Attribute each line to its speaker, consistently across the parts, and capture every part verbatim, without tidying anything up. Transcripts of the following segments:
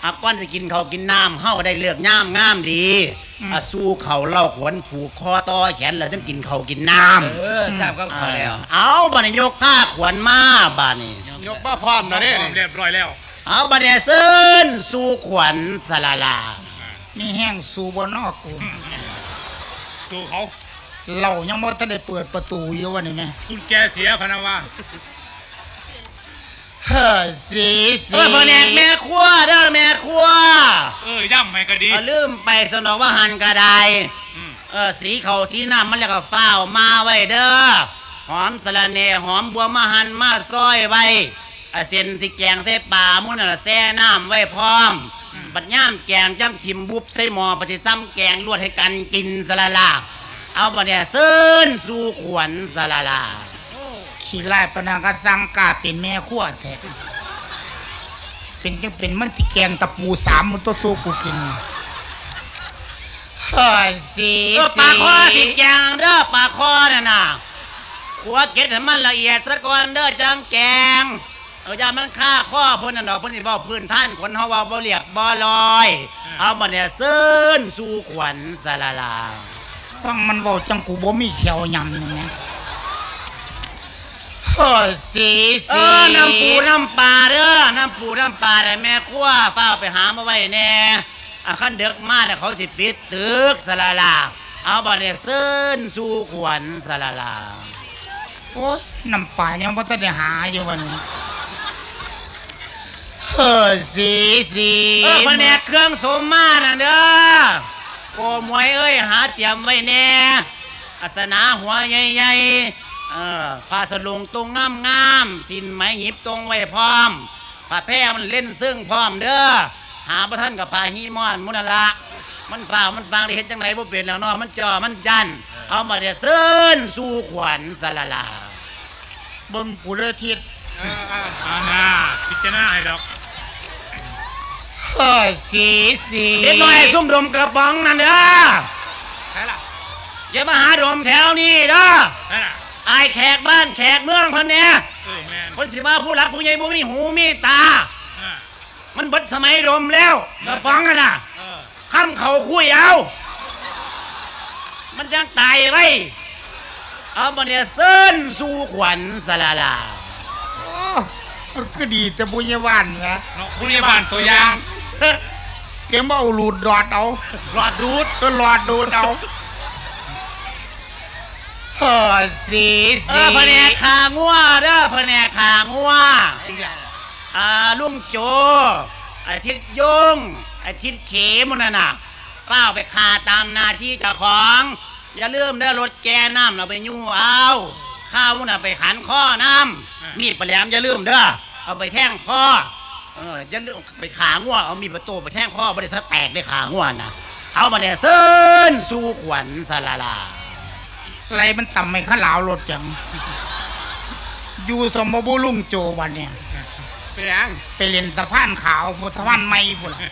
Speaker 1: อับก้อนจะกินเขากินน้ำเฮาได้เลือกย่ามงามดีอ่ะสู้เขาเล่าขวนผูกคอต่อแขนแล้วต้องกินเขากินน้ำ
Speaker 2: เออทราบก็เขาแล้ว
Speaker 1: เอาบัดนี้ยกผ้าขวนมาบัดนี้
Speaker 3: ยกมาพร้อมนะเนี่ยเรียบร้อยแล้ว
Speaker 1: เอาบัดนี้เซินสู้ขวัญสลาลา
Speaker 4: มีแห้งสู้บนนอกกู
Speaker 3: สู้เขา
Speaker 4: เรายังไม่ทันได้เปิดประตูอยู่วะนี่แม่
Speaker 3: คุณแกเสียพนาวา
Speaker 4: เฮ้ยสีสี
Speaker 1: เออพ่อแนกแม่ครัวเด้อแม่ครัว
Speaker 3: เออย่ำให้ก็ดี
Speaker 1: ลืมไปสนองว่าหันกระไดเออสีเขาสีน้ำมันแล้วก็ฝ้าวมาไว้เด้อหอมสะระเนหอมบัวมาหันมาซอยไว้เส้นสิแกงใส่ปลามุ่นน่ะแซ่น้ำไว้พร้อมบัดย่ามแกงจ้ำขิมบุบใส่หม้อปฏิซ้ำแกงลวดให้กันกินสละลาเอาบัดเนี่ยเซินสู่ขวัญสละลา
Speaker 4: ขี้ไล่ปนากระสังกาเป็นแม่ขั้วแท้เป็นจังเป็นมันที่แกงตะปูสามมันตัวสู้กูกินเฮ้ยสี
Speaker 1: ปลาคอสิแกงเด้อปลาคอน่ะนะขัวเก็ดให้มันละเอียดซะก่อนเด้อจังแกงเออย่ามันฆ่าข้อเพิ่นน่ะดอกเพิ่นสิเว้าพื้นท่านคนเฮาเว้าบ่เรียบบ่ลอยเอาบัดเนี่ยเซินสู่ขวัญสละลา
Speaker 4: ฟังมันเว้าจังกูบ่มีเขียวยำนี่นะเฮ้ยสีสี
Speaker 1: เออน้ำปูน้ำปลาเด้อน้ำปูน้ำปลาได้แม่ครัวฟ้าไปหามาไว้แน่อ่ะคันเด็กมาเนี่ยเขาสิปิดตึกสละลาเอาบัดเนี่ยเซินสู่ขวัญสละลา
Speaker 4: โอ้ยน้ำปลายังบ่ทันได้หาอยู่วันนี้เฮ้ยสีสี
Speaker 1: เออแผนกเครื่องสมมาน่ะเด้อโอ้มวยเอ้ยหาเตรียมไว้แน่อาสนะหัวใหญ่ๆเออผ้าสลุงตรงงามๆสินไหมหยิบตรงไว้พร้อมผ้าแพร่มันเล่นซึ่งพร้อมเด้อหาพระท่านกับผ้าฮีมอนมุนละมันฝ่ามันฟังได้เห็นจังไรบ่เป็นแล้วเนาะมันจ่อมันจันเอามาเดี๋ยวเซินสู่ขวัญสละลา
Speaker 4: เบิ่งกูเลยทิศ
Speaker 3: อ่าน่าพิจารณาให้ดอก
Speaker 4: เฮ้ยสีสี
Speaker 1: เด็กน้อยซุ่มดมกระป๋องนั่นเด้อ
Speaker 3: ใช่ล่ะ
Speaker 1: อย่ามาหาดมแถวนี้เด้อ
Speaker 3: ใช่ล่ะ
Speaker 1: ไอ้แขกบ้านแขกเมืองพันเนี่ย
Speaker 3: เออแม่
Speaker 1: คนสิว่าผู้หลักผู้ใหญ่บ่มีหูมีตามันเบิดสมัยดมแล้วกระป๋องกันน่ะคำเขาคุยเอามันยังตายไว้เอามาเนี่ยเซินสู่ขวัญสละลา
Speaker 4: ก็ดีแต่บุญยวันนะ
Speaker 3: บุญยวันตัวอย่าง
Speaker 4: เกมเอาหลุดหลอดเอา
Speaker 1: หลอดดูด
Speaker 4: ก็หลอดดูดเอาเฮ้ยสีสี
Speaker 1: เออพะแนกขางัวเด้อพะแนกขางัวอ่าลุงโจไอ้ทิศยงไอ้ทิศเขมันน่ะนะเฝ้าไปขาตามหน้าที่เจ้าของอย่าลืมได้รถแกน้ำเราไปยู่เอาข้าวมันน่ะไปขันข้อน้ำมีดปลาแหลมอย่าลืมเด้อเอาไปแท่งข้อเอออย่าลืมไปขาง่วเอามีดประตูไปแท่งข้อบริษัทแตกได้ขาง่วนะเอามาเนี่ยเซินสู่ขวัญสลาลา
Speaker 4: อะไรมันต่ำไม่ข้าหลาวรถจังอยู่สมบูลุงโจวันเนี่ย
Speaker 3: ไปยัง
Speaker 4: ไปเรียนสะพานขาวสะพานไม้พุ่น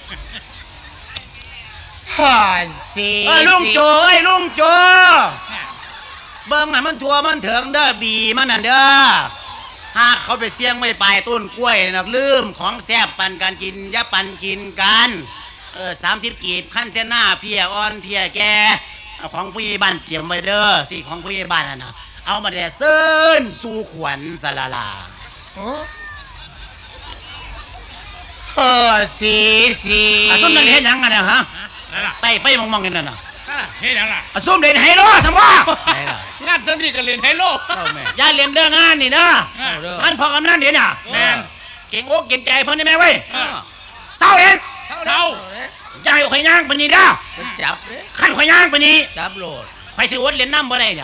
Speaker 4: ฮ่าสี
Speaker 1: เอ้ยลุงโจเอ้ยลุงโจเบิ้งให้มันทัวมันเถิงเด้อบีมันน่ะเด้อหากเขาไปเสี่ยงไม่ไปต้นกล้วยนะลืมของแซ่บปันกันกินยะปันกินกันเออสามสิบกีบขั้นเจ้าหน้าเพียอ่อนเพียแกของผู้ใหญ่บ้านเตรียมไว้เด้อสิของผู้ใหญ่บ้านน่ะนะเอามาแต่เซินสู่ขวัญสละลา
Speaker 4: เออสีสี
Speaker 1: ส้มเด่นเห็นยังไงนะฮะไต่ไปมองๆกันน่ะ
Speaker 3: เห็นยังล่ะ
Speaker 1: ส้มเด่นไฮโลสมบัติ
Speaker 3: งานสนิทกันเรียนไฮโล
Speaker 1: ย่าเรียนเรื่องงานนี่นะท่านพ่อกำนันเดี๋ยวน่ะ
Speaker 3: แม่
Speaker 1: เก่งอกเก่งใจเพิ่นได้ไหมเว้ยเศร้าเอง
Speaker 3: เศร้า
Speaker 1: อย่าให้ข่อยย่างปนีด้า
Speaker 2: จับ
Speaker 1: ขั้นข่อยย่างปนี
Speaker 2: จับโหลด
Speaker 1: ข่อยสิอดเรียนน้ำบ่ได้เนี่ย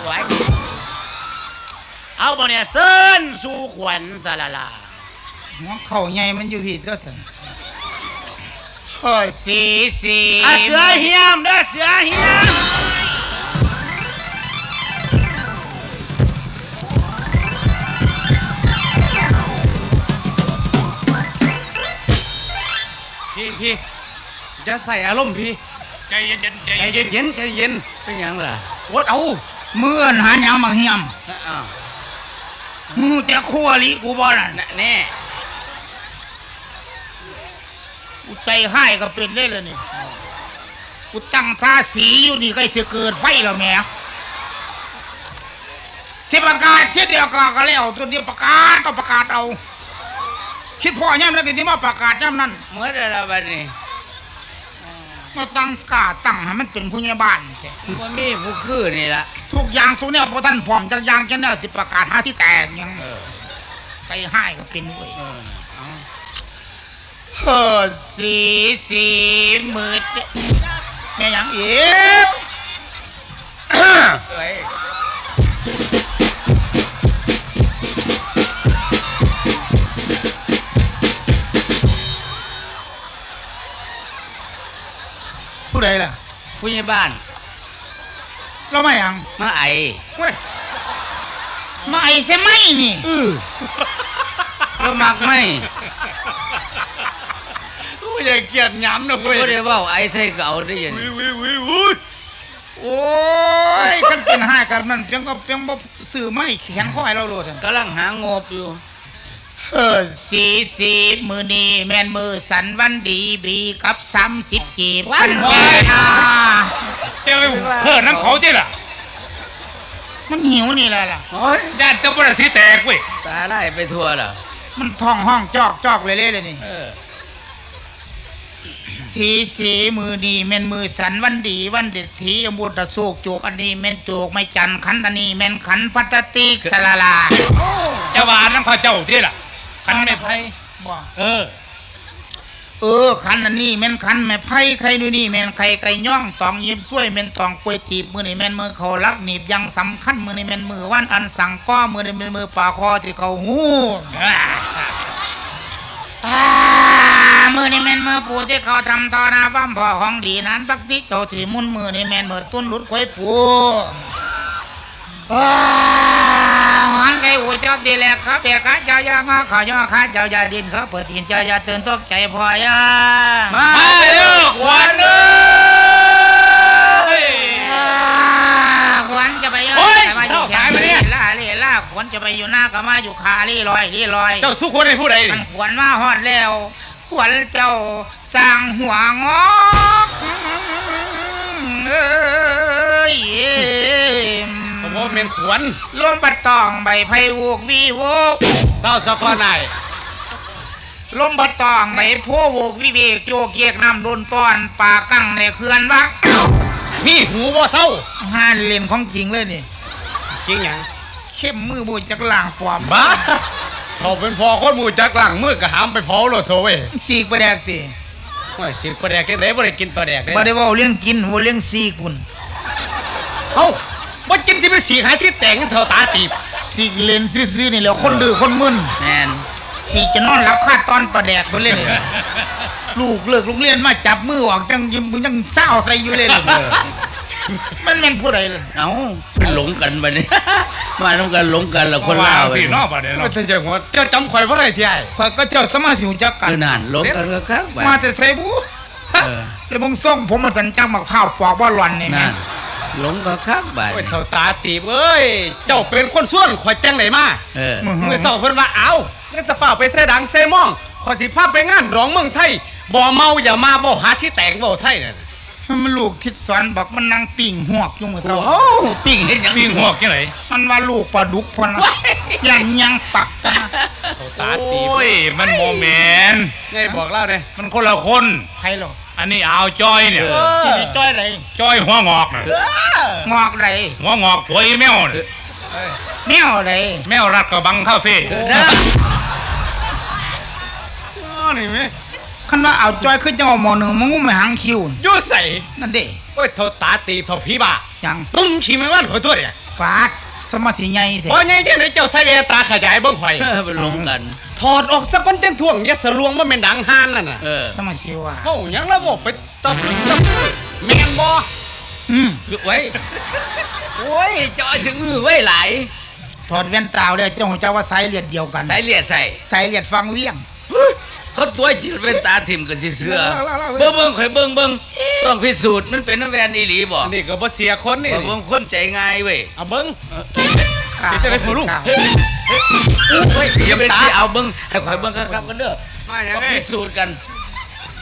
Speaker 1: เอาบ่เนี่ยเซินสู่ขวัญสละลา
Speaker 4: หัวเข่าใหญ่มันอยู่ที่เจ้าสันเฮ้ยสีสี
Speaker 1: เสือเฮียมเด้อเสือเฮียม
Speaker 3: พี่พี่จะใส่อารมณ์พี่ใจเย็นเย็นใจเย็นเย็นใจเย็นเป็นยังล่ะวดเอา
Speaker 4: เมื่อนหาหยังมาเฮียมมูแต่ขั้วลิกูบ่นั่น
Speaker 2: แน่
Speaker 4: กูใจให้ก็เป็นได้เลยนี่กูตั้งท่าสีอยู่นี่ก็จะเกิดไฟแล้วแม่สิประกาศเช่นเดียวกันก็แล้วตัวเดียวประกาศต้องประกาศเอาคิดพ่อย่ำแล้วก็ที่มาประกาศย่ำนั่น
Speaker 1: เมื่อไรละบัดนี้
Speaker 4: มาตั้งกาตั้งให้มันเป็นผู้ใหญ่บ้านเสีย
Speaker 1: มันมีผู้คือนี่ละ
Speaker 4: ทุกอย่างทุกเนี่ยพอท่านพร้อมจักอย่างจังเนี่ยสิประกาศหาที่แตกยัง
Speaker 1: เออ
Speaker 4: ใจให้ก็เป็นเว้ย
Speaker 1: เออเอา
Speaker 4: เฮ้อสีสีมืดแม่ยังอีก
Speaker 1: เอ้ย
Speaker 4: ผู้ใดล่ะ
Speaker 1: ผู้ใหญ่บ้าน
Speaker 4: เราไม่ยัง
Speaker 1: มาไอ
Speaker 4: เว้ยมาไอ้เสียไหมนี่
Speaker 1: เรามักไหม
Speaker 3: กูอย่าเกลียดหย้ำนะเว้ย
Speaker 1: ก็ได้เว่าไอใส่เก่าได้ยัง
Speaker 3: วิววิววิววิว
Speaker 4: โอ้ยกันเป็นห้ากันนั่นเพียงก็เพียงบ่ซื้อไม่เขียนข้อให้เราโลดอะ
Speaker 1: กำลังหางบอยู่
Speaker 4: เออสีสีมือนีแมนมือสันวันดีบีกับสามสิบจีบกันแก่นา
Speaker 3: เจ้าไปเพื่อนน้ำเขาจีล่ะ
Speaker 4: มันหิวนี่แหละล่ะ
Speaker 1: โอ้ย
Speaker 3: ญาติเจ้าปรสิแตกเว้ย
Speaker 1: ตาได้ไปทั่วแล้ว
Speaker 4: มันท้องห้องจอกจอกเลยเลยเลยนี่
Speaker 1: เออ
Speaker 4: สีสีมือนีแมนมือสันวันดีวันเด็ดทีอมุตะโศกโจกอันนี้แมนโจกไม่จันขันอันนี้แมนขันพัตติกสลาลา
Speaker 3: เจ้าบ้านน้ำเขาเจ้าจีล่ะขันไม่ไพ่
Speaker 4: บ่
Speaker 3: เออ
Speaker 4: เออขันอันนี้แม่นขันแม่ไผ่ไข่ดูนี่แม่นไข่ไก่ย่องตองยิบซ้วยแม่นตองกล้วยจีบมือนี่แม่นมือเขารักหนีบยังสำคัญมือนี่แม่นมือวันอันสั่งก้อมือนี่แม่นมือป่าคอที่เขาหูอ่ามือนี่แม่นมือปูที่เขาทำตอนาบ้ามพ่อของดีนั้นปักซิเจ้าที่มุนมือนี่แม่นมือตุ้นหลุดควยปูอ่าหันไก่หูเจ้าดีแหลกครับเบียกะเจ้ายางาขายอข้าเจ้ายาดินเขาเปิดทินเจ้ายาตื่นตกใจพอยา
Speaker 3: มาเด้อขวัญเอ้ย
Speaker 4: ขวัญจะไป
Speaker 3: โอ้ย
Speaker 4: จะมาอยู่
Speaker 3: เจ้าหายไปเนี่ย
Speaker 4: ล่าเล่ล่าขวัญจะไปอยู่หน้าก็มาอยู่คาลี่ลอยลี่ลอย
Speaker 3: เจ้าสู้คนให้ผู้ใด
Speaker 4: มั
Speaker 3: นี่
Speaker 4: นขวัญมาฮอดแล้วขวัญเจ้าสร้างหัวงอกเอ้ย
Speaker 3: ผมว่าเป็นขวัญ
Speaker 4: ลมปัดตองใบไผ่วูกวีโวก
Speaker 3: เศร้าสักคนไหน
Speaker 4: ลมปัดตองใบโพโวกวิเวกโยกเยกน้ำโดนต้อนป่ากั้งในเขื่อนวัก
Speaker 3: มีหูบ่เศร้า
Speaker 4: ห้านเล่นของจริงเลยนี่
Speaker 3: จริงหยัง
Speaker 4: เข้มมือบูจากหล่างปลอม
Speaker 3: บ้าเขาเป็นพอคนหมู่จักหลังมือกะหามไปเผาโลดโถเว้ย
Speaker 4: สีกประแดกสิ
Speaker 3: โอ้ยสิปลาแดกจังได๋บ่ได้กินปลาแดกเด้
Speaker 4: บ่ได้เว่าเรื่องกินเว่าเรื่องสีกุน
Speaker 3: เอ้าบ่กินสิไปสีหาสิแตกกันเท่าตาตีบ
Speaker 4: สีกเล่นซื่อๆนี่แหล้วคนดื้อคนมึน
Speaker 1: แมน
Speaker 4: สีจะนอนหลับคาตอนประแดกคนเล่นนี่ลูกเลิกโรงเรียนมาจับมือออกจังยังยังเศร้าใส่อยู่เลยเลยมันแม่นผู้ใดเลย
Speaker 1: เอ้าเป็นหลงกันบัดนี้ มาต้องกันหลงกันแล้วคนลาว
Speaker 3: พี่นอกบ่ได้เนาะเจ้าหัวเจ้าจำข่อยบ่ได้ที่ไอ้
Speaker 4: ข่อยก็เจ้าสมาสิวจักกัน
Speaker 1: คือนานหลงกันก็ครับบัด
Speaker 4: มาแต่ไสบู
Speaker 1: เออ
Speaker 4: เดี๋ยวมึงส่งผมมาสันจังมักข้าวปอกว่าหล่อนนี่แม่
Speaker 1: นั่นหลงก็ครับบัด
Speaker 3: โอ้ย
Speaker 1: นี้
Speaker 3: เท่าตาตีบเอ้ยเจ้าเป็นคนส่วนข่อยจังไดมา
Speaker 1: เออ
Speaker 4: มึง
Speaker 3: เมื่อเช้าเพิ่นว่าเอาแล้วจะฝ่าไปเสดังเซมองข่อยสิพาไปงานร้องเมืองไทยบ่เมาอย่ามาบ่หาที่แตกบ่ไทยนั่น
Speaker 4: มันลูกทิดสอนบอกมันนั่งปิ่งหวกอยู่มือเท่า
Speaker 1: โอ้ปิ้งเห็นยัง
Speaker 3: ปีนหัวจังได๋
Speaker 4: มันว่าลูกปลาดุกพอนะยังยังปักกันนะ
Speaker 3: เท่าตาตีบโอ้ยมันบ่แม่นไงบอกเล่าเด้มันคนละคน
Speaker 4: ใครหรอ
Speaker 3: อันนี้อ่าวจ้อยเนี่ย
Speaker 4: ที่นี่จ้อยไร
Speaker 3: จ้อยหัวงอกน่ะ
Speaker 4: งอกไร
Speaker 3: หัวงอกถวยแมวน่ะ
Speaker 4: แมวไร
Speaker 3: แมวรัดกระบังคาเฟ่
Speaker 1: นะ
Speaker 3: อ๋อนี่แม่
Speaker 4: คันว่าเอาจ้อยขึ้นจังหวะหมอหนึ่งมึงไม่หางคิว
Speaker 3: อยู่ใส่
Speaker 4: นั่นเด้
Speaker 3: โอ้ยเท่าตาตีบเท่าผีบ้า
Speaker 4: ยัง
Speaker 3: ตุ้มชิมไม่ว่านข่อยตัวเนี่ย
Speaker 4: ฟาดสมาธิใหญ่เถ
Speaker 3: พอ
Speaker 4: อะ
Speaker 3: ไงจังได๋เจ้าใส่แววตาขยายเบิ่งข่อย
Speaker 1: เออเป็นหลงกัน
Speaker 3: ถอดออกสักก้อนจังท่วงอย่าสะลวงว่าแม่นดังห่านนั่นน่ะ
Speaker 1: เออ
Speaker 4: สมาธิว่า
Speaker 3: เว้าหยังแล้วบ่ไปตบตบแม่นบ่
Speaker 4: อืม
Speaker 1: คือไว้โอ้ยจอยสึงอื้อไว้หลาย
Speaker 4: ถอดแว่นตาเลยเจ้าของเจ้าว่าสายเลือดเดียวกัน
Speaker 1: ใส่เลียดใส่
Speaker 4: สายเลือดฟังเวียง
Speaker 1: เขาตัวจืดเป็นตาถิ่มกันสิเสือ
Speaker 4: เล่าเล่าเล่า
Speaker 1: เบิ่งเบิ่งข่อยเบิ่งเบิ่งต้องพิสูจน์มันเป็นน้ำแวนอีหลีบ่
Speaker 3: อันนี้ก็บ่เสียคนนี่
Speaker 1: บ่เบิ่งคนใจง่ายเว้ย
Speaker 3: เอาเบิ่ง
Speaker 4: กล้า
Speaker 3: เดี๋ยวจะได้ผู้ลูก
Speaker 4: กล้า
Speaker 1: เฮ้ยอย่าเป็นที่เอาเบิ่งให้ข่อยเบิ่งครับๆกันเด้อ
Speaker 3: มาหยัง
Speaker 1: ต้อง
Speaker 3: ไง
Speaker 1: พิสูจน์กัน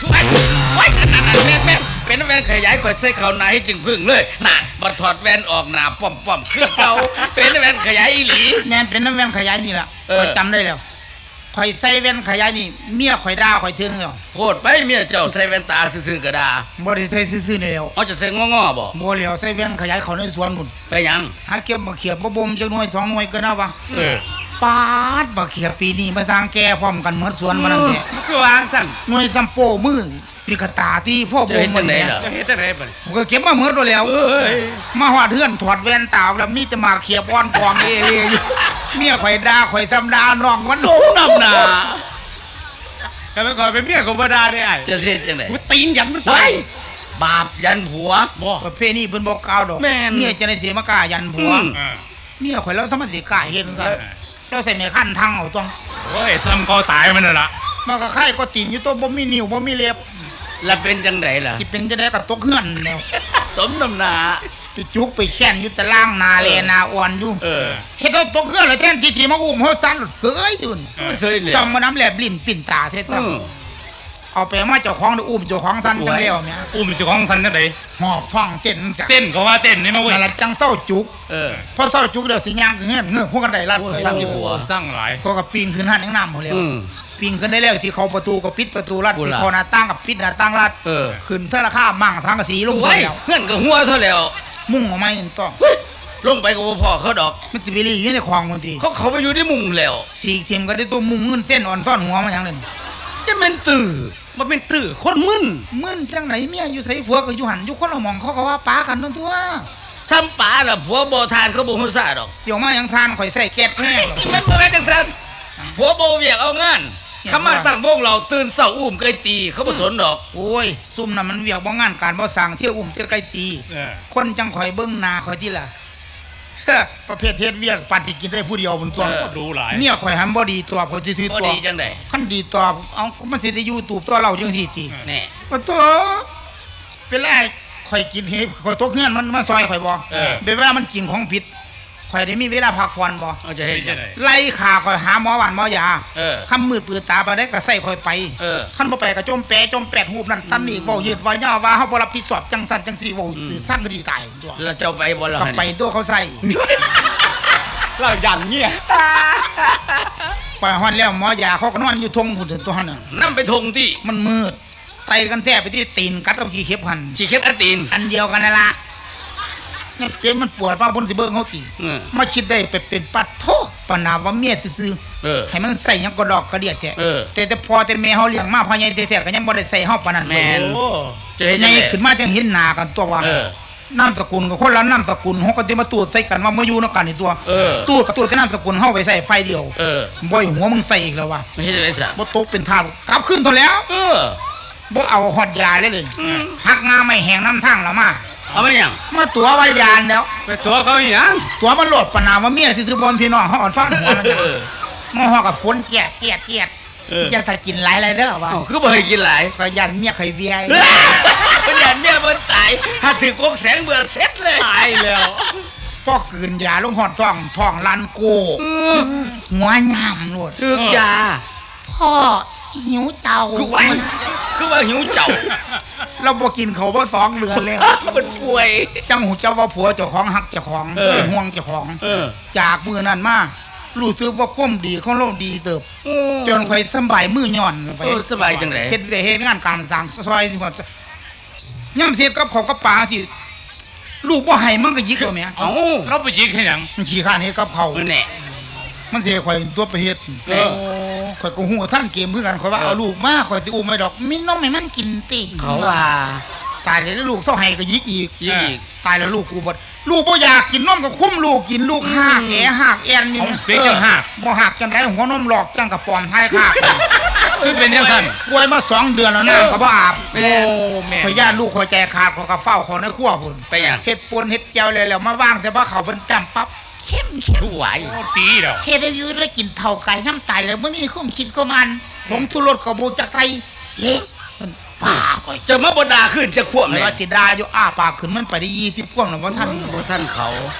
Speaker 2: ไว้ไว้นั่นๆแม่แม่เป็นแว่นขยายกว่าใส่เขาหนาให้จึงพึ่งเลยน่ะบ่ถอดแว่นออกหน้าป้อมๆคือเก่าเป็นแว่นขยายอีหลี
Speaker 4: แม่นเป็นน้ำแว่นขยายนี่ล่ะ
Speaker 2: เออ
Speaker 4: ข่อยจำได้แล้วข่อยใส่แว่นขยายนี่เมียข่อยด่าข่อยเทื่อนึงแล้ว
Speaker 2: โพดไปเมียเจ้าใส่แว่นตาซื่อๆก็ได้
Speaker 4: บ่ได้ใส่ซื่อๆนี่แล้ว
Speaker 2: เอาจะใส่งอๆบ่
Speaker 4: บ่แล้วใส่แว่นขยายเขาในสวนพุ่น
Speaker 2: ไปหยัง
Speaker 4: หาเก็บมาเขียบบ่บ่มจักหน่วยสองหน่วยก็น่าวะ
Speaker 3: เออ
Speaker 4: ปาดบักเขียบปีนี้มาสร้างแก่พร้อมกันหมดสวนมานั่นแหละ
Speaker 3: มันคือวางสั่น
Speaker 4: หน่วยซัมโปมือนี่กระตาที่พ่อ
Speaker 2: จะ
Speaker 4: บ่
Speaker 2: เห็น
Speaker 4: ม
Speaker 2: จั
Speaker 4: มัน
Speaker 2: งได๋
Speaker 4: เนี่ย
Speaker 2: ล่ะ
Speaker 3: จะเฮ็ดจังได๋บัดนี้
Speaker 4: ผมก็เก็บมาหมดแล้ว
Speaker 2: เอ้ย
Speaker 4: มาหอดเฮือนถอดแว่นตาแล้วมีแต่หมากเขียบอ่อนกองเอเลียอยู่เมียข่อยด่าข่อยทำด่าน้องมัน
Speaker 2: สมน้ำหน้า
Speaker 3: ก็ไปขอเป็นเมียของบ่ดาได้ไอ้
Speaker 2: จะเฮ็ดจังได๋
Speaker 3: กูตีนยันมัน
Speaker 2: ไว้
Speaker 3: ตาย
Speaker 2: บาปยันผัว
Speaker 3: บ่
Speaker 4: ประเพณีเพิ่นบ่กล่าวดอก
Speaker 2: แม่น
Speaker 4: เมียจะได้เสียมากล้ายันผัว
Speaker 2: อืม
Speaker 3: อ่า
Speaker 4: เมียข่อยแล้วสมัติกล้าเฮ็ดจังซั่นเราใส่แม่ขั้นทางเอาต้อง
Speaker 3: โอ้ยซ้ำก็ตายมันน่ะล่ะ
Speaker 4: มันก็ไข่ก็ตีนอยู่ตัวบ่มีนิ้วบ่มีเล็บ
Speaker 2: แล้วเป็นจังไดล่ะ
Speaker 4: สิเป็นจะได้กับตกเฮือนแล้ว
Speaker 2: สมน้ำหน้า
Speaker 4: ไปจุกไปแค้นอยู่ตะล่างนาแลนาอ่อนอยู่
Speaker 3: เออ
Speaker 4: เฮ็ดเอาตกเฮือนแล้วแทนที่ที่มาอุ้มเฮาสั่นเสยอยู่นี่
Speaker 3: เออ
Speaker 2: เสยเลย
Speaker 4: ซ่อมมาน้ำแลบลิ้นปิ่นตาเท่ซ้ํ
Speaker 2: อืม
Speaker 4: เอาไปมาเจ้าของได้อุ้มเจ้าของสั่นจังแล้วแม่
Speaker 3: อุ้มเจ้าของสันจังได๋
Speaker 4: หอบท้องเต้นจัง
Speaker 3: เต้นก็ว่าเต้นนี่มาเว้ย
Speaker 4: นั่นล่ะจังเศร้าจุก
Speaker 2: เออ
Speaker 4: พอเศร้าจุกเดี๋ยวสิย่างขึ้นเฮือนเงือกพวกกันได้ลัด
Speaker 2: โอ้สร้างที่หัว
Speaker 3: สร้างหลาย
Speaker 4: ก็ก็ปีนขึ้นหันยังน้ำหมดแล้ว
Speaker 2: อืม
Speaker 4: ปีนขึ้นได้แล้วสิเข้าประตูก็ปิดประตูลัด
Speaker 2: โอ้
Speaker 4: สิ
Speaker 2: ล่ะ
Speaker 4: เข้าหน้าต่างก็ปิดหน้าต่างลัด
Speaker 2: เออ
Speaker 4: ขึ้นเท่าราคามั่งสังกะสีลงไป
Speaker 2: ไว้
Speaker 4: แล้ว
Speaker 2: เพื่อนก็หัวเท่าแล้ว
Speaker 4: มุ่งออกมาเห็นต่อ
Speaker 2: ลงไปก็บ่พอเขาดอก
Speaker 4: มันสิไปรีอยู่ในคลองบางที
Speaker 2: เขาเขาไปอยู่ที่มุงแล้ว
Speaker 4: สีเทียมก็ได้ตัวมุงเงินเส้นอ่อนซ่อนหัวมาอย่างนั้น
Speaker 2: จะเป็นตื่อ
Speaker 3: มันเป็นตื้อคนมึน
Speaker 4: มึนจังไหนเมียอยู่ใส่ผัวก็อยู่หันอยู่คนละหมองเขาก็ว่าป้ากันทั้งตัว
Speaker 2: ซ้ำป๋าล่ะผัวบ่ทานเขาบ่ฮู้ซาดอก
Speaker 4: เสียวมาอย่างทานข่อยใส่แก๊สแห้ง
Speaker 2: มันบ่แม่นจังซั่นผัวบ่เวียกเอางานเขามาตั้งวงเราตื่นเช้าอุ้มไก่ตีเขาบ่สนดอก
Speaker 4: โอ้ยซุ่มน่ะมันเวียกบ่งานการบ่สั่งเที่ยวอุ้มเที่ยวไกลตี
Speaker 3: เออ
Speaker 4: คนจังข่อยเบิ่งหน้าข่อยที่ล่ะ ประเภทเฮ็ดเวียกปันที่กินได้ผู้เดียวบนตัว
Speaker 2: เออ
Speaker 3: ดูหลาย
Speaker 4: เมียข่อยหันบ่ดีตัวข่อยสิซื้อ
Speaker 2: บ่
Speaker 4: ตัว
Speaker 2: ดีจังได๋
Speaker 4: คันดีตัวเอามันสิได้อยู่ตูบตัวเราจังซี่ติ
Speaker 2: แน่
Speaker 4: ก็ตัวเวลาข่อยกินเฮ็ดข่อยตกเฮือนมันมาซอยข่อยบ่
Speaker 3: เออ
Speaker 4: เวลามันกินของผิดข่อยได้มีเวลาพักผ่อนบ่
Speaker 2: เอาจะเฮ็ดจังได๋
Speaker 4: ไล่ขาข่อยหาหมอหวานหมอยา
Speaker 2: เออ
Speaker 4: คำมืดปืนตาไปได้ก็ใส่ข่อยไป
Speaker 2: เออ
Speaker 4: คันบ่ไปก็จมแปะจมแปดหูบนั่นตันนี่เว้ายืดว่าย่อว่าเฮาบ่รับผิดชอบจังซั่นจังซี่เว้าตื่นสั้นก็ดีตายตัว
Speaker 2: แล้วเจ้าไปบ่ล่ะ
Speaker 4: ก็ไปตัวเขาใส่
Speaker 3: เรายันเงี้ย
Speaker 4: ไปฮอดแล้วหมอยาเขาก็นอนอยู่ทงพุ่นตัวหั่นน่ะ
Speaker 2: นำไปทงที่
Speaker 4: มันมืดไตกันแท้ไปที่ตีนกัดกับขี้เข็บหั่น
Speaker 2: สิเข็ดอาตีน
Speaker 4: อันเดียวกันนั่นล่ะเนี่ยเจ็บมันปวดป้าบนสิเบิ่งเฮาติ
Speaker 2: เออ
Speaker 4: มาคิดได้ไปเป็นปัดโทปะนาว่าเมียซื่อ
Speaker 2: เออ
Speaker 4: ๆให้มันใส่หยังก็ดอกกระเดียดแท้
Speaker 2: เออ
Speaker 4: แต่แต่พอแต่แม่เฮาเลี้ยงมาพ่อใหญ่แท้ๆก็ยังบ่ได้ใส่เฮาปานนั้น
Speaker 2: แม่น
Speaker 3: โอ้
Speaker 2: จะเฮ็ด
Speaker 4: ให
Speaker 2: จั
Speaker 4: ญ่
Speaker 2: งได๋
Speaker 4: ขึ้นมาจังเห็นหน้ากันตัวว่า
Speaker 2: เออ
Speaker 4: นามสกุลก็คนละนามสกุลเฮาก็สิมาตูดใส่กันว่ามาอยู่นำกันนี่ตัว
Speaker 2: เออ
Speaker 4: ตูดกับตูดกับนามสกุลเฮาไปใส่ไฟเดียว
Speaker 2: เออ
Speaker 4: บ่อยหัวมึงใส่อีกแล้วว่ะ
Speaker 2: ไม่เฮ็ดจังได๋ซะ
Speaker 4: บ่ตกเป็นทาสกลับขึ้นเท่าแล้ว
Speaker 2: เออ
Speaker 4: บ่เอาฮอดยาเลยเลยหักงาไม่แห้งน้ำทางแล้วมา
Speaker 2: เอามาหยัง
Speaker 4: มาตัวไว้ยานแล้ว
Speaker 3: ไปตัวเขาอีหยัง
Speaker 4: ตัวมันโหลดปะนามว่าเมียซื่อๆบนพี่น้องเฮาอ่อนฟ้อนหัวมันจัง
Speaker 2: เออ
Speaker 4: มาฮอกับฝนเกียดเกียดเกียดจะถ้ากินหลายๆเด้อว่า
Speaker 2: เอ้าคือบ่ให้กินหลาย
Speaker 4: ก็ยันเมียเคยเวีย
Speaker 2: เพิ่นยันเมียเพิ่นตายถ้าถือกกแสงเบื่อเสร็จเลย
Speaker 3: ตายแล้ว
Speaker 4: พอกืนยาลงหอดท้องท้องลันโกหัวย่ามโลด
Speaker 2: ถือกยา
Speaker 4: พ่อหิวเจ้า
Speaker 2: คือไว้คือว่าหิวเจ้า
Speaker 4: เราบ่กินเขาวบ่สองเดือนแล้ว
Speaker 2: เป็นป่วย
Speaker 4: จังหูเจ้าว่าผัวเจ้าของหักเจ้าของเป็นห่วงเจ้าของ
Speaker 3: เออ
Speaker 4: จากมือนั้นมารู้สึกว่าความดีของเราดีเติบจนค่อยสำบายมือย่อนไป
Speaker 2: เออสบายจังได๋
Speaker 4: เฮ็ดได้เฮ็ดงานการสร้างซอยนี่ว่าย่ำเสียกับเขาวกับปลาที่ลูกบ่ให้มันก็ยิกเอาแหม่
Speaker 2: เอ้า
Speaker 3: เราไปยิงให้หยัง
Speaker 4: มันขี้ข้านเฮ็ดกับเขาว
Speaker 2: นั่นแหละ
Speaker 4: มันสิให้ข่อยตัวไปเฮ็ด
Speaker 2: เออ
Speaker 4: ข่อยก็ฮู้ท่านเกมคือกันข่อยว่า
Speaker 2: เออ
Speaker 4: เอาลูกมาข่อยสิอุ้มไม่ดอกมีน้องให้มันกินติ
Speaker 2: เขาว่า
Speaker 4: ตายแล้วลูกเศร้าให้ก็ยิกอีก
Speaker 2: ยิงอีก
Speaker 4: ตายแล้วลูกกูบ่ลูกบ่อยากกินนมก็คุ้มลูกกินลูกหากแหหากแอนนี่
Speaker 3: เอาเปียกจังหัก
Speaker 4: บ่หักจังไดหัวนมหลอกจังกับปอมท้ายคาก
Speaker 3: เอ้ยเป็นยังซั่น
Speaker 4: ป่วยมาสองเดือนแล้วน้ำก็บ่อาบ
Speaker 2: ไม่ได้
Speaker 3: โอ้แม่
Speaker 4: ข่อยย่านลูกข่อยใจขาดข่อยก็เฝ้าเขาในครัวพุ่น
Speaker 2: ไปหยัง
Speaker 4: เฮ็ดปนเฮ็ดเจียวเลยแล้วมาว่างแต่ว่าเขาเป็นจำปั๊บเข้มเข้ม
Speaker 2: คือไหว
Speaker 3: โอ้ตีแล้ว
Speaker 4: เฮ็ดให้อยู่ได้กินเท่าไก่น้ำตายแล้วมื้อนี้คุ้มคิดก็มันผมทุรสก็บ่จักไทยเฮ้มันป่าข่อย
Speaker 2: จะมาบ่ด่าขึ้นจะควบ
Speaker 4: ไม่
Speaker 2: เลย
Speaker 4: ว่าสิดาอยู่อ้าปากขึ้นมันไปได้ยี่สิบพวงแล้วบ่ทัน
Speaker 2: บ่ท่านเขา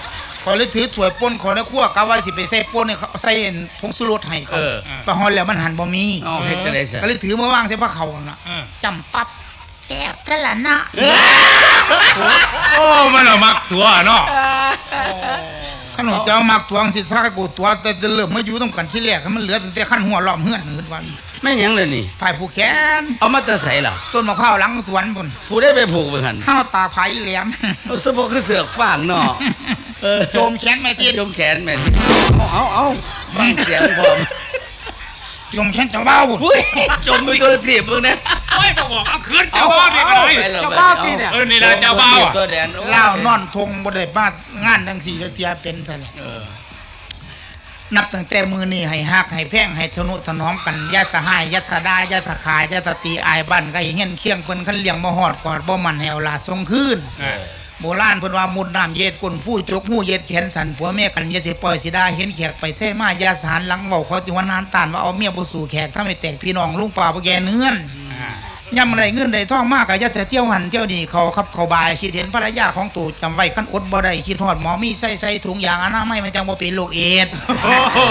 Speaker 4: ขอยเลยถือถ้วยป่นขอยเลยคั่วกะว่าสิไปใส่ป่นให้เขาใส่ผงชูรสให้เขา
Speaker 2: เออ
Speaker 4: ไปฮอดแล้วมันหันบ่มี
Speaker 2: เอาเฮ็ดจังได๋ซะ
Speaker 4: ก็เลยถือมาวางใส่ผ้าเขาวน่ะจำปั๊บแซ่บซะละนะ
Speaker 3: โอ้มันเอามักตัวเนาะ
Speaker 4: ขนมเจ้ามักตวงสิซักกูตัวแต่เริ่มมาอยู่ต้องกันที่แรกมันเหลือแต่ขั้นหัวล้อมเฮือนหืนวัน
Speaker 2: แม่นหยังเลยนี่
Speaker 4: ฝ่ายผู้แขน
Speaker 2: เอามาแต่ใส่ล่ะ
Speaker 4: ต้นมะพร้าวหลังสวนพุ่น
Speaker 2: ผู้ได้ไปผูกไว้หั่น
Speaker 4: ข้าวตาไผ่แหลม
Speaker 2: เอาซะบ่คือเสือกฟางเนาะเออ
Speaker 4: โจมแขนแม่ที
Speaker 2: จมแขนแม่นเอาเอาเอาฟังเสียงพร้อม
Speaker 4: โจมแขนเจ้าเบ้าพุ่น
Speaker 2: อุ้ยจมไปตัวถีบมึงนะ
Speaker 3: โอ้ยต้องบอกเอาคืนเจ้าบ้าวนี่ก็ได้
Speaker 2: ไปแล้ว
Speaker 3: เจ้าบ้าวตีเนี่ยเออนี่ล่ะเจ้าบ้าวอะ
Speaker 2: ตัวแดน
Speaker 4: เล่านอนทงบ่ได้มางานจังสี่จักเทียเป็นซะแล้ว
Speaker 2: เออ
Speaker 4: นับตั้งแต่มือนี้ให้ฮักให้แพงให้ทนุถนอมกันอย่าสะหายอย่าสะดาอย่าสะขายอย่าสะตีอายบ้านไกลเฮียนเคียงเพิ่นคันเลี้ยงบ่ฮอดกอดบ่มันให้เอาลาส่งคืน
Speaker 3: เออ
Speaker 4: โบราณเพิ่นว่ามุดน้ำเย็ดก้นฟู่จกหูเย็ดแขนสันผัวเมียกันอย่าสิปล่อยสิดาเห็นแขกไปเท่มาอย่าสารหลังเว้าเขาจิวันนานตานว่าเอาเมียบ่สู่แขกถ้าไม่แตกพี่น้องลุงป่าบ่แกเนื้อนย่ำไรเงินได้ท่องมากก็อย่าแต่เที่ยวหันเที่ยวนี่เขาขับเขาบายคิดเห็นภรรยาของตู่จำไว้คันอดบ่ได้คิดฮอดหมอมีใส่ใส่ถุงยางอนามัยมันจังบ่เป็นโรคเอดส์
Speaker 3: โอ้โห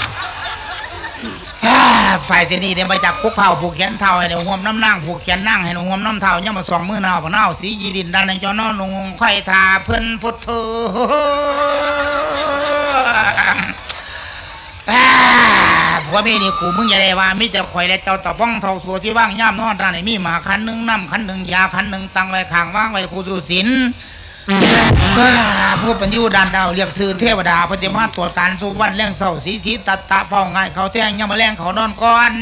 Speaker 4: อ่าฝ่ายเสนีเนี่ยมาจากคุกเผาผูกแขนเท้าให้ในห่วมน้ำนั่งผูกแขนนั่งให้ในห่วมน้ำเท้าย่ำมาสองมือหนาวผนาวสียีดินดันในจอนอนลงไข่ทาเพิ่นพุทโธอ่าผัวเมียนี่กูมึงอย่าได้ว่ามิแต่ข่อยและเจ้าตะป้องเท่าสัวที่ว่างย่ำนอนด้านไหนมีหมาคันหนึ่งน้ำคันหนึ่งยาคันหนึ่งตังไว้ข้างว่างไว้ครูสุสินผู้เป็นอยู่ด้านดาวเรียกสื่อเทวดาปฏิมาตรวจการสุวรรณแรงเศร้าสีสีตัดตะเฝ้าง่ายเขาแท่งย่ำมาแรงเขานอนก่อน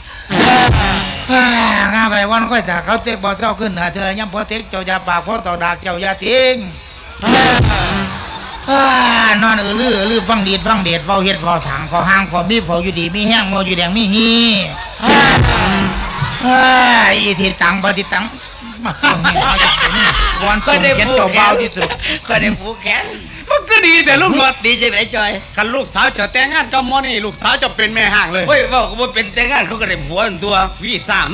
Speaker 4: ง่ายไปวันค่อยแต่เขาเต็กบ่อเศร้าขึ้นหาเธอย่ำพอเต็กเจ้าอยาปากพอต่อดากเจ้าอยาทิ้งนอนอือลือลือฟังดีดฟังเดชเฝ้าเฮ็ดเฝ้าถางเฝ้าห้างเฝ้ามีเฝ้าอยู่ดีมีแห้งเฝ้าอยู่แดงมีฮีอีทิตังปฏิตังวัน
Speaker 2: ก็
Speaker 4: ก็
Speaker 2: ได้
Speaker 4: ได้
Speaker 2: ผู
Speaker 4: เจ้าก
Speaker 2: แข
Speaker 4: เบาน ที่สุด
Speaker 2: ก็ได้ผูกแขน
Speaker 3: มันก็ดีแต่ลูกหมด
Speaker 2: ดีจังไหนจอย
Speaker 3: คันลูกสาวจะแต่งงานกับหมอนี่ลูกสาวจะเป็นแม่ห้างเลย
Speaker 2: เฮ้ยเว่าก็บ่เป็นแต่งงานเขาก็ได้ผัวอันตัว
Speaker 3: วีซ่า